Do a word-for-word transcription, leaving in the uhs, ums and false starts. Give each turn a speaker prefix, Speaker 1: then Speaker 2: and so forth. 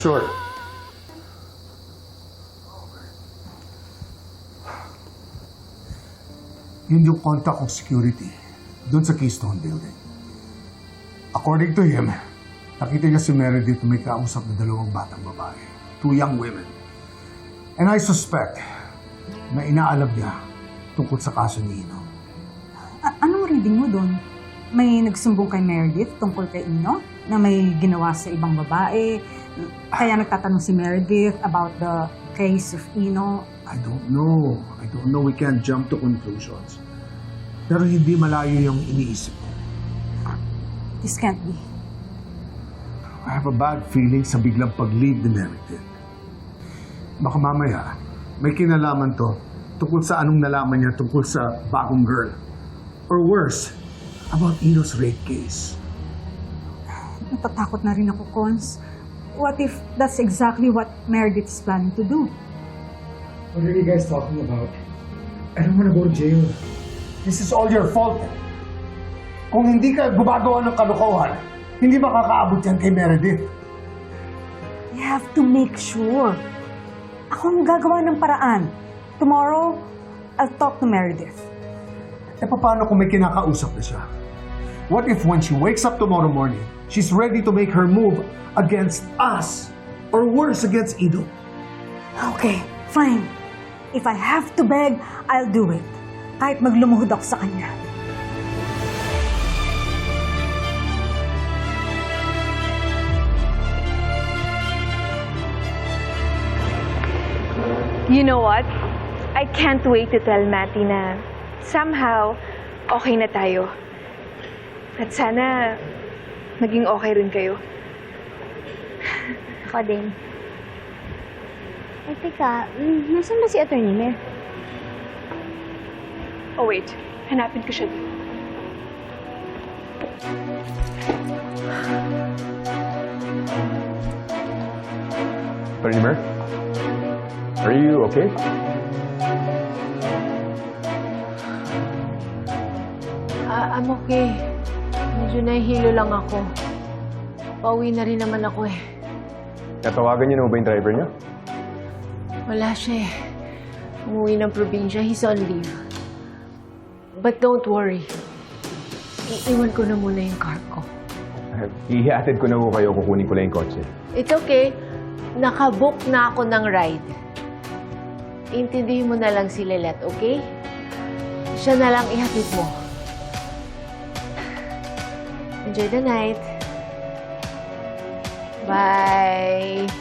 Speaker 1: Sure.
Speaker 2: Yun yung contact of security doon sa Keystone Building. According to him, nakita niya si Meredith may kausap na dalawang batang babae. Two young women. And I suspect na inaalam niya tungkol sa kaso ni Ino.
Speaker 3: A- anong reading mo doon? May nagsumbong kay Meredith tungkol kay Ino na may ginawa sa ibang babae. Kaya nagtatanong si Meredith about the case of Ino.
Speaker 2: I don't know. I don't know. We can't jump to conclusions. Pero hindi malayo yung iniisip ko.
Speaker 3: This can't be.
Speaker 2: I have a bad feeling sa biglang pag-leave ni Meredith. Baka mamaya, may kinalaman to tungkol sa anong nalaman niya tungkol sa bagong girl. Or worse, about Ino's rape case.
Speaker 3: Natatakot na rin ako, Cons. What if that's exactly what Meredith is planning to do?
Speaker 4: What are you guys talking about? I don't want to go to jail.
Speaker 2: This is all your fault. Kung hindi ka gumagawa ng kalokohan, hindi makakaabot yan kay Meredith.
Speaker 3: You have to make sure. Ako ang gagawa ng paraan. Tomorrow, I'll talk to Meredith.
Speaker 2: E paano kung may kinakausap na siya? What if when she wakes up tomorrow morning, she's ready to make her move against us? Or worse, against Ido?
Speaker 3: Okay, fine. If I have to beg, I'll do it. Kahit maglumuhod ako sa kanya.
Speaker 5: You know what? I can't wait to tell Matty na somehow okay na tayo. At sana maging okay rin kayo.
Speaker 6: Ako din. Ay, teka, mm, nasan ba si Attorney Mer?
Speaker 5: Oh wait, hanapin ko siya dito.
Speaker 1: Attorney Mer? Are you okay?
Speaker 7: Ah, I'm okay. Medyo nahihilo lang ako. Pauwi na rin naman ako eh.
Speaker 1: Natawagan niyo na ba yung driver niyo?
Speaker 7: Wala siya eh. Umuwi ng probinsya. He's on leave. But don't worry. Iiwan ko na muna yung car ko.
Speaker 1: Ihihatid ko na ho kayo, kukunin ko lang yung kotse.
Speaker 7: It's okay. Nakabook na ako ng ride. Intindihin mo na lang si Lelet, okay? Siya na lang ihatid mo. Enjoy the night. Bye.